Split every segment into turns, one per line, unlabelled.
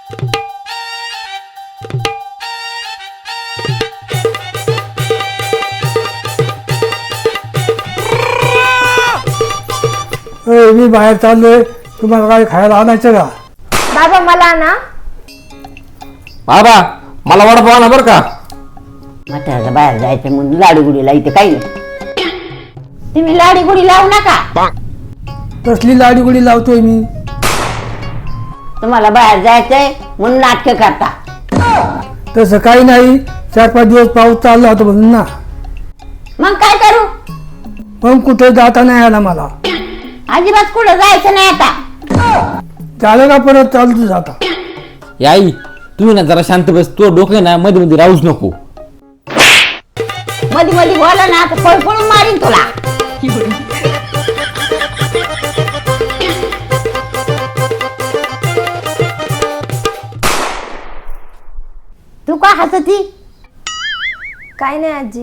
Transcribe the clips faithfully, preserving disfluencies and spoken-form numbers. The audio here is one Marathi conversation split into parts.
मी बाहेर चाललोय, तुम्हाला काय खायला आणायचं का?
बाबा मला ना
बाबा मला वडापाव आणा बरं का.
म्हाताऱ्याला बाहेर जायचं म्हणून लाडी गुडीला इथे काही नाही. तुम्ही लाडी गुडी लावू नका.
कसली लाडी गुडी लावतोय मी?
तुम्हाला बाहेर जायचंय म्हणून नाटक करता.
तसं काही नाही, चार पाच दिवस पाऊस चालला होता म्हणून ना.
मग काय करू?
मग कुठे जाता नाही आला मला.
अजिबात कुठं जायचं नाही आता.
झालं का परत चालतो जाता?
आई तुम्ही ना जरा शांत बस. तो डोकं ना मध्ये मध्ये राहूच नको.
मध्ये मध्ये बोला ना तर पळ पळून मारीन तुला. तू का हसती?
काय नाही आजी.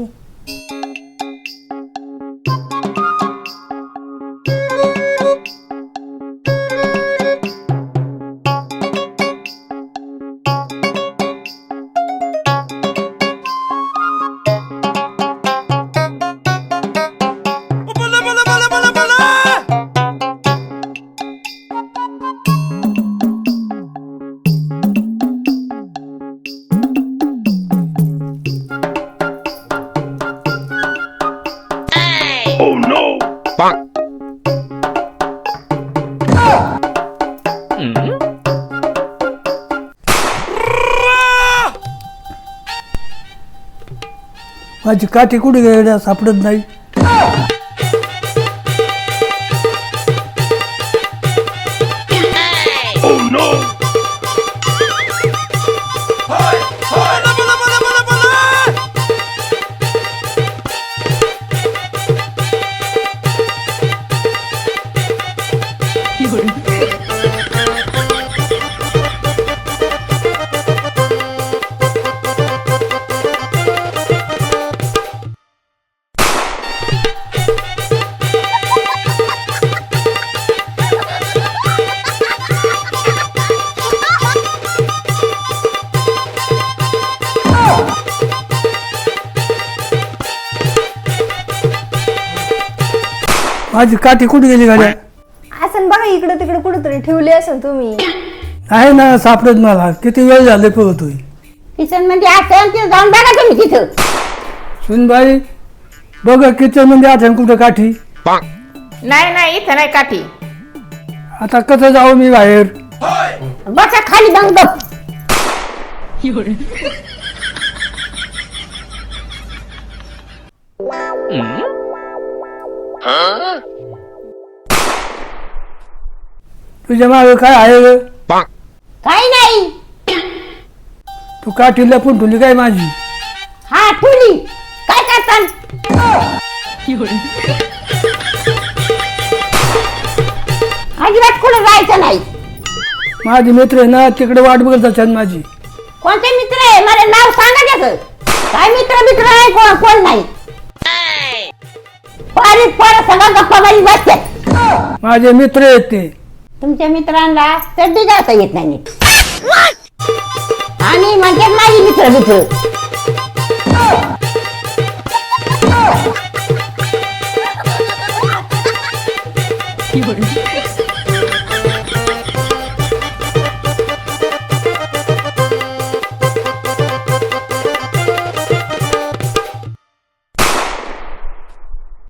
माझी काठी कुठे गेल्या सापडत नाही. माझी काठी कुठे गेली गाड्या?
असं बघा इकडे तिकडे कुठेतरी ठेवली असेल तुम्ही.
आहे ना, सापडत मला. किती वेळ झाले पळतोय.
किचन मध्ये असं तिथं जाऊन बघा तुम्ही तिथं.
सुनबाई बघ किचन मध्ये आठवण कुठं काठी.
नाही नाही इथं नाही काठी.
आता कसं जाऊ मी बाहेर?
बसा खाली बंद.
तुझ्या मागे काय आहे ग?
काही नाही.
तू काठी लपून ठेवली काय माझी?
हा ठुली. काय करता? अजिबात कुठं जायचं नाही.
माझी मित्र आहे ना, तिकडे वाट बघत असतात माझी.
कोणते मित्र आहे? मला नाव सांगा त्याचं. काय मित्र मित्र आहे कोण कोण नाही. पारीत पोरं सगळं गप्पा मारी बसतात.
माझे मित्र आहेत ते.
तुमच्या मित्रांना चड्डी जाता येत नाही नीट. आणि म्हणतात माझी मित्र मित्र.